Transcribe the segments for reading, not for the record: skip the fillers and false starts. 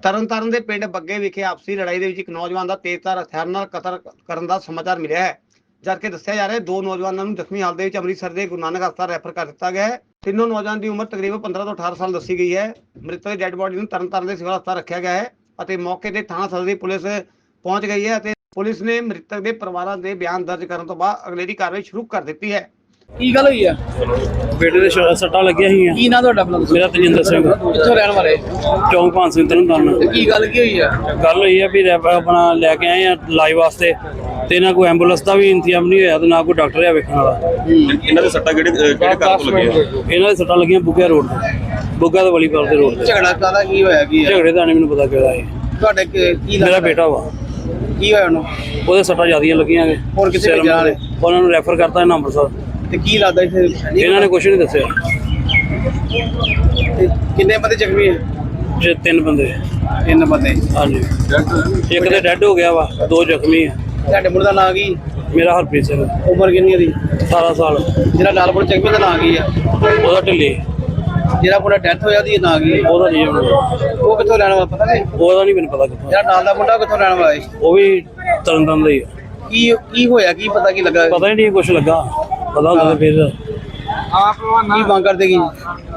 ਤਰਨਤਾਰਨ ਦੇ ਪਿੰਡ ਬੱਗੇ ਵਿਖੇ ਆਪਸੀ ਲੜਾਈ ਦੇ ਵਿੱਚ ਇੱਕ ਨੌਜਵਾਨ ਦਾ ਤੇਜ਼ਧਾਰ ਹਥਿਆਰ ਨਾਲ ਕਤਲ ਕਰਨ ਦਾ ਸਮਾਚਾਰ ਮਿਲਿਆ ਹੈ। ਜਦਕਿ ਦੱਸਿਆ ਜਾ ਰਿਹਾ ਹੈ ਦੋ ਨੌਜਵਾਨਾਂ ਨੂੰ ਜ਼ਖਮੀ ਹਾਲਤ ਦੇ ਵਿੱਚ ਅੰਮ੍ਰਿਤਸਰ ਦੇ ਗੁਰੂ ਨਾਨਕ ਹਸਪਤਾਲ ਰੈਫਰ ਕਰ ਦਿੱਤਾ ਗਿਆ ਹੈ। ਤਿੰਨੋਂ ਨੌਜਵਾਨ ਦੀ ਉਮਰ ਤਕਰੀਬਨ 15 ਤੋਂ 18 ਸਾਲ ਦੱਸੀ ਗਈ ਹੈ। ਮ੍ਰਿਤਕ ਦੀ ਡੈੱਡ ਬੋਡੀ ਨੂੰ ਤਰਨਤਾਰਨ ਦੇ ਸਿਵਲ ਹਸਪਤਾਲ ਰੱਖਿਆ ਗਿਆ ਹੈ ਅਤੇ ਮੌਕੇ ਤੇ ਥਾਣਾ ਸਦਰ ਦੀ ਪੁਲਿਸ ਪਹੁੰਚ ਗਈ ਹੈ ਅਤੇ ਪੁਲਿਸ ਨੇ ਮ੍ਰਿਤਕ ਦੇ ਪਰਿਵਾਰਾਂ ਦੇ ਬਿਆਨ ਦਰਜ ਕਰਨ ਤੋਂ ਬਾਅਦ ਅਗਲੇਰੀ ਕਾਰਵਾਈ ਸ਼ੁਰੂ ਕਰ ਦਿੱਤੀ ਹੈ। ਕੀ ਗੱਲ ਹੋਈ ਆ? ਬੇਟੇ ਦੇ ਸੱਟਾਂ ਲੱਗੀਆਂ ਸੀ। ਕੀ ਨਾਂ ਤੁਹਾਡਾ? ਮੇਰਾ ਤਜਿੰਦਰ ਸਿੰਘ, ਕਿੱਥੋਂ ਰਹਿਣ ਵਾਲੇ? ਚੌਂਕ ਭਾਨ ਸਿੰਘ ਤਰਨਤਾਰਨ। ਕੀ ਗੱਲ ਕੀ ਹੋਈ ਆ? ਗੱਲ ਹੋਈ ਆ ਵੀ ਆਪਣਾ ਲੈ ਕੇ ਆਏ ਆ ਇਲਾਜ ਵਾਸਤੇ ਤੇ ਨਾ ਕੋਈ ਐਂਬੂਲੈਂਸ ਦਾ ਵੀ ਇੰਤਜ਼ਾਮ ਨਹੀਂ ਹੋਇਆ ਤੇ ਨਾ ਕੋਈ ਡਾਕਟਰ ਆ ਵੇਖਣ ਵਾਲਾ। ਇਹਨਾਂ ਦੇ ਸੱਟਾਂ ਕਿਹੜੇ ਘਰ ਤੋਂ ਲੱਗੀਆਂ? ਇਹਨਾਂ ਦੇ ਸੱਟਾਂ ਲੱਗੀਆਂ ਬੁੱਗਾ ਰੋਡ ਤੇ, ਬੁੱਗਾ ਤੇ ਵਲੀਪਾਲ ਦੇ ਰੋਡ ਤੇ। ਝਗੜਾ ਕਾਹਦਾ ਕੀ ਹੋਇਆ? ਕੀ ਆ ਝਗੜੇ ਦਾ ਨਹੀਂ ਮੈਨੂੰ ਪਤਾ ਕਿਹੜਾ ਹੈ। ਤੁਹਾਡੇ ਕੀ ਮੇਰਾ ਲੱਗਦਾ? ਬੇਟਾ ਵਾ, ਕੀ ਹੋਇਆ ਉਹਨੂੰ? ਉਹਦੇ ਸੱਟਾਂ ਜ਼ਿਆਦੀਆਂ ਲੱਗੀਆਂ ਨੇ। ਹੋਰ ਕਿੱਥੇ ਭੇਜਿਆ ਨੇ? ਉਹਨਾਂ ਨੂੰ ਰੈਫਰ ਕਰਤਾ ਇਹਨਾਂ ਅੰਮ੍ਰਿਤਸਰ। ਤੇ ਕੀ ਲੱਗਦਾ ਇੱਥੇ ਇਹਨਾਂ ਨੇ ਕੁਝ ਨਹੀਂ ਦੱਸਿਆ। ਤੇ ਕਿੰਨੇ ਬੰਦੇ ਜ਼ਖਮੀ ਆ? ਜੇ 3 ਬੰਦੇ। 3 ਬੰਦੇ। ਹਾਂਜੀ, ਇੱਕ ਤੇ ਡੈੱਡ ਹੋ ਗਿਆ ਵਾ, 2 ਜ਼ਖਮੀ ਆ। ਤੁਹਾਡੇ ਮੁੰਡੇ ਦਾ ਨਾਂ ਕੀ? ਮੇਰਾ ਹਰਪ੍ਰੀਤ ਸਿੰਘ, ਉਮਰ ਕਿੰਨੀ ਉਹਦੀ? 18 ਸਾਲ। ਜਿਹੜਾ ਲਾਲਪੁਰ ਜ਼ਖਮੀ ਦਾ ਨਾਂ ਕੀ ਆ? ਉਹਦਾ ਢਿੱਲੀ। ਜਿਹੜਾ ਮੁੰਡਾ ਡੈਥ ਹੋਇਆ ਉਹਦੀ ਨਾਂ ਕੀ ਆ? ਉਹਦਾ ਨਹੀਂ ਉਹ ਕਿੱਥੋਂ ਰਹਿਣ ਵਾਲਾ ਪਤਾ ਨਹੀਂ? ਉਹਦਾ ਨਹੀਂ ਮੈਨੂੰ ਪਤਾ ਕਿੱਥੋਂ। ਜਿਹੜਾ ਨਾਲ ਦਾ ਮੁੰਡਾ ਉਹ ਕਿੱਥੋਂ ਰਹਿਣ ਵਾਲਾ ਹੈ? ਉਹ ਵੀ ਤਰਨਤਾਰਨ ਦਾ ਹੀ ਆ। ਕੀ ਹੋਇਆ? ਕੀ ਪਤਾ ਕੀ ਲੱਗਾ? ਪਤਾ ਹੀ ਨਹੀਂ ਕੁਛ ਲੱਗਾ, ਪਤਾ ਹੁੰਦਾ ਤਾਂ ਫਿਰ ਕੀ ਮੰਗ ਕਰਦੇ ਕੀ?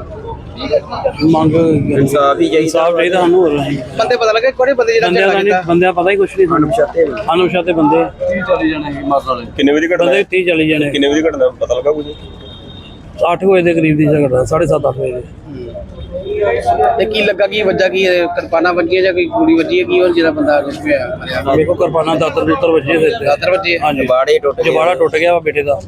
ਮੰਗ ਇਨਸਾਫ ਹੀ ਇਨਸਾਫ ਚਾਹੀਦਾ ਸਾਨੂੰ। ਹੋਰ ਨਹੀਂ ਬੰਦੇ ਪਤਾ ਲੱਗੇ ਕਿਹੜੇ ਬੰਦੇ ਜਿਹੜਾ ਬੰਦਿਆਂ ਦਾ ਝਗੜਾ ਨਹੀਂ, ਕੀਤਾ? ਬੰਦਿਆਂ ਪਤਾ ਹੀ ਕੁਛ ਨਹੀਂ ਸਾਨੂੰ। ਅਨੁਸ਼ਾਤੇ ਬੰਦੇ ਕਿੰਨੇ ਵਜੇ ਘਟਨਾ? ਬੰਦੇ 30 ਚਲੇ ਜਾਣੇ। ਕਿੰਨੇ ਵਜੇ ਘਟਨਾ ਪਤਾ ਲੱਗਾ ਕੁਝ? 8 ਵਜੇ ਦੇ ਕਰੀਬ ਦੀ ਝਗੜਾ, 7:30 8 ਵਜੇ ਦੇ। ਤੇ ਕੀ ਲੱਗਾ? ਕੀ ਵੱਜਾ? ਕੀ ਕਿਰਪਾਨਾਂ ਵੱਜੀਆਂ ਜਾਂ ਕੋਈ ਗੋਲੀ ਵੱਜੀ ਹੈ? ਕੀ ਹੋਰ ਜਿਹੜਾ ਬੰਦਾ ਕੁਝ ਪਿਆ ਮਰਿਆ? ਮੇਰੇ ਕੋਲ ਕਿਰਪਾਨਾਂ ਦਾਤਰ ਵੱਜੇ ਸਿਰ ਤੇ। ਦਾਤਰ ਵੱਜੇ? ਹਾਂਜੀ, ਜਬਾੜਾ ਟੁੱਟ ਗਿਆ ਵਾ ਬੇਟੇ ਦਾ।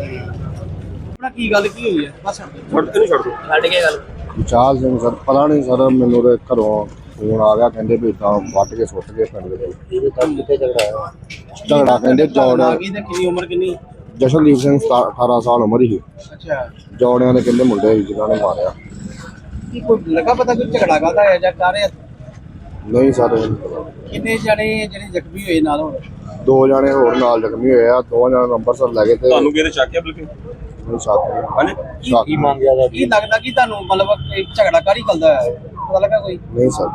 ਆਪਣਾ ਕੀ ਗੱਲ ਕੀ ਹੋਈ ਹੈ? ਬਸ ਛੱਡ ਦੋ। ਛੱਡ ਕੇ ਗੱਲ। ਵਿਚਾਰ ਸਿੰਘ ਸਰ, ਪਤਾ ਨਹੀਂ ਸਰ, ਮੈਨੂੰ ਤੇ ਘਰੋਂ ਫੋਨ ਆ ਗਿਆ, ਕਹਿੰਦੇ ਵੀ ਤਾਂ ਵੱਟ ਕੇ ਸੁੱਟ ਗਏ ਪਿੰਡ ਦੇ ਵਿੱਚ। ਕਿੱਥੇ ਝਗੜਾ ਹੋਇਆ? ਝਗੜਾ ਕਹਿੰਦੇ ਆ ਗਈ ਤੇ ਕਿੰਨੀ ਉਮਰ ਕਿੰਨੀ? ਜਸ਼ਨਦੀਪ ਸਿੰਘ 18 ਸਾਲ ਉਮਰ ਸੀ। ਅੱਛਾ, ਜੌੜਿਆਂ ਦੇ ਕਹਿੰਦੇ ਮੁੰਡੇ ਸੀ ਜਿਨ੍ਹਾਂ ਨੇ ਮਾਰਿਆ। ਕੀ ਕੋਈ ਲੱਗਾ ਪਤਾ ਕੋਈ ਝਗੜਾ ਕਾਹਦਾ ਹੈ ਜਾਂ ਕਾਰੇ? ਨਹੀਂ ਸਰ, ਕਿੰਨੇ ਜਣੇ ਜਿਹੜੇ ਜ਼ਖਮੀ ਹੋਏ ਨਾਲ? ਹੋਰ 2 ਜਾਣੇ ਹੋਰ ਨਾਲ ਜ਼ਖਮੀ ਹੋਏ ਆ। 2 ਜਣੇ ਨੂੰ ਅੰਮ੍ਰਿਤਸਰ ਲੈ ਗਏ ਤੇ ਤੁਹਾਨੂੰ ਕਿਹਦੇ ਚੱਕਿਆ ਬਲਕਿ? ਮੈਨੂੰ ਸਾਥ ਹਾਂਜੀ ਕੀ ਮੰਗਿਆ? ਕੀ ਲੱਗਦਾ ਕਿ ਤੁਹਾਨੂੰ ਮਤਲਬ ਇਹ ਝਗੜਾ ਕਾਹਦੀ ਕਰਦਾ ਹੈ? ਪਤਾ ਲੱਗਾ ਕੋਈ? ਨਹੀਂ ਸਰ,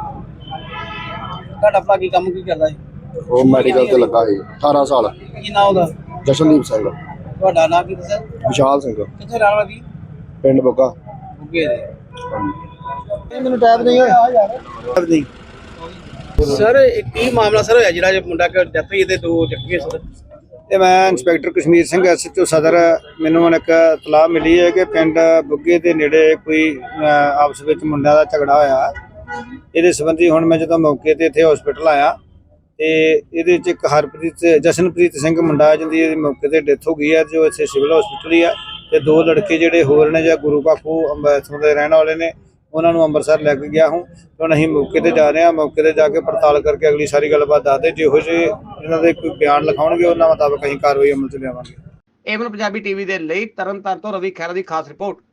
ਤੁਹਾਡਾ ਭਰਾ ਕੀ ਕੰਮ ਕੀ ਕਰਦਾ ਹੈ? ਉਹ ਮੈਡੀਕਲ ਤੇ ਲੱਗਾ ਸੀ। 18 ਸਾਲ। ਕੀ ਨਾਂ ਉਹਦਾ? ਜਸ਼ਨਦੀਪ ਸਿੰਘ। ਤੁਹਾਡਾ ਨਾਂ ਕੀ ਦੱਸਿਆ? ਵਿਸ਼ਾਲ ਸਿੰਘ, ਕਿੱਥੇ ਰਹਿਣ ਵਾਲਾ ਸੀ? ਪਿੰਡ ਬੁੱਗਾ। ਬੁੱਗੇ ਦੇ। ਹਾਂਜੀ। ਮੈਨੂੰ ਟਾਈਮ ਨਹੀਂ ਹੋਇਆ ਸਰ। ਕੀ ਮਾਮਲਾ ਸਰ ਹੋਇਆ ਜਿਹੜਾ ਮੁੰਡਾ ਕਿ ਡੈਥ ਹੋਈ ਤੇ 2 ਜ਼ਖਮੀ ਸਰ? ਤੇ ਮੈਂ ਇੰਸਪੈਕਟਰ ਕਸ਼ਮੀਰ ਸਿੰਘ ਐਸਐਚਓ ਸਦਰ। ਮੈਨੂੰ ਹੁਣ ਇੱਕ ਇਤਲਾਹ ਮਿਲੀ ਹੈ ਕਿ ਪਿੰਡ ਬੁੱਗੇ ਦੇ ਨੇੜੇ ਕੋਈ ਆਪਸ ਵਿੱਚ ਮੁੰਡਿਆਂ ਦਾ ਝਗੜਾ ਹੋਇਆ। ਇਹਦੇ ਸੰਬੰਧੀ ਹੁਣ ਮੈਂ ਜਦੋਂ ਮੌਕੇ ਤੇ ਇੱਥੇ ਹਸਪੀਟਲ ਆਇਆ ਤੇ ਇਹਦੇ ਵਿੱਚ ਇੱਕ ਜਸ਼ਨਪ੍ਰੀਤ ਸਿੰਘ ਮੁੰਡਾ ਜਿਹਦੀ ਇਹਦੀ ਮੌਕੇ ਤੇ ਡੈਥ ਹੋ ਗਈ ਹੈ, ਜੋ ਇੱਥੇ ਸਿਵਲ ਹਸਪੀਟਲ ਹੀ ਆ। ਤੇ 2 ਲੜਕੇ ਜਿਹੜੇ ਹੋਰ ਨੇ ਜਾਂ ਗੁਰੂ ਬਾਖੂ ਅੰਮ੍ਰਿਤਸਰ ਦੇ ਰਹਿਣ ਵਾਲੇ ਨੇ, ਉਹਨਾਂ ਨੂੰ ਅੰਮ੍ਰਿਤਸਰ ਲੈ ਕੇ ਗਿਆ ਹੂੰ। ਹੁਣ ਅਸੀਂ ਮੌਕੇ ਤੇ ਜਾ ਰਹੇ ਹਾਂ। ਮੌਕੇ ਤੇ ਜਾ ਕੇ ਪੜਤਾਲ ਕਰਕੇ ਅਗਲੀ ਸਾਰੀ ਗੱਲਬਾਤ ਦੱਸਦੇ। ਜਿਹੋ ਜਿਹੇ ਇਹਨਾਂ ਦੇ ਕੋਈ ਬਿਆਨ ਲਿਖਾਉਣਗੇ ਉਹਨਾਂ ਮੁਤਾਬਕ ਅਸੀਂ ਕਾਰਵਾਈ ਅਮਲ ਚ ਲਿਆਵਾਂਗੇ। ਏਵਨ ਪੰਜਾਬੀ ਟੀਵੀ ਦੇ ਲਈ ਤਰਨਤਾਰਨ ਤੋਂ ਰਵੀ ਖਹਿਰਾ ਦੀ ਖਾਸ ਰਿਪੋਰਟ।